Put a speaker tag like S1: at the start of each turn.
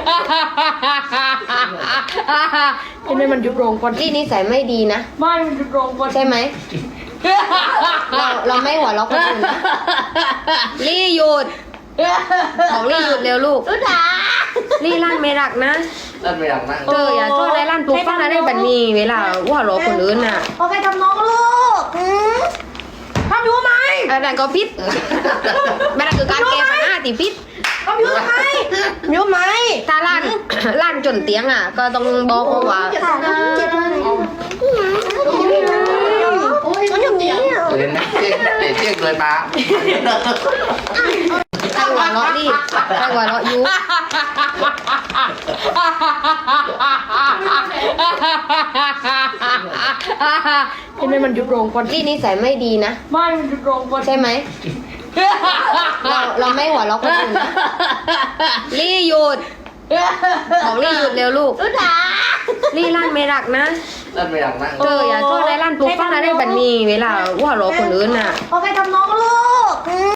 S1: เห็นไหมมันหยุดโรงก่อน
S2: ลี่นิสัยไม่ดีนะ
S1: ไม่มันหยุดโรงก่อน
S2: ใช่ไหม เราไม่หัวเราะคนอื่นนะลี่หยุดบอกลี่หยุดเร็วลูกลี่ลั่นไม่รักนะ
S3: นั่นไม่อยากนั่ง
S2: เธออย่าโทษได้ลั่นปลุกฟังอะไรแบบนี้เวลาว่าเราะคนอื่นน่ะ
S4: โอเคทำน้องลูกทำอยู่ไหม
S2: อันนั้นก็พิษมันคือการแก้ปัญหาที่พิษ
S4: ทำอยู่ไหมอยู่ไหม
S2: ถ้าลั่น ลั่นจนเตียงอ่ะ ก็ต้องบอกเขาว่า
S4: เจ็บเลยโอ้ยมันอย่างนี้
S3: เห็นไหมเจ๊กเลยมา
S2: ใครหัวเราะดิใครหัวเราะยุ
S1: เห็นไหมมันหยุดโรงก่อน
S2: ลี่นิสัยไม่ดีนะ
S1: ไม่มันหยุดโรงก่อน
S2: ใช่ไหม เราไม่หัวเราะคนอื่นนะลี่หยุดบอกลี่หยุดเร็วลูกลี่ลั่นไม่รักนะ
S3: นั่นไม่อยากนั่ง
S2: เธออย่าโทษได้ลั่นปลุกฟังอะไรแบบนี้เวลาว่าเราะคนอื่นน่ะ
S4: โอเคทำน้องลูก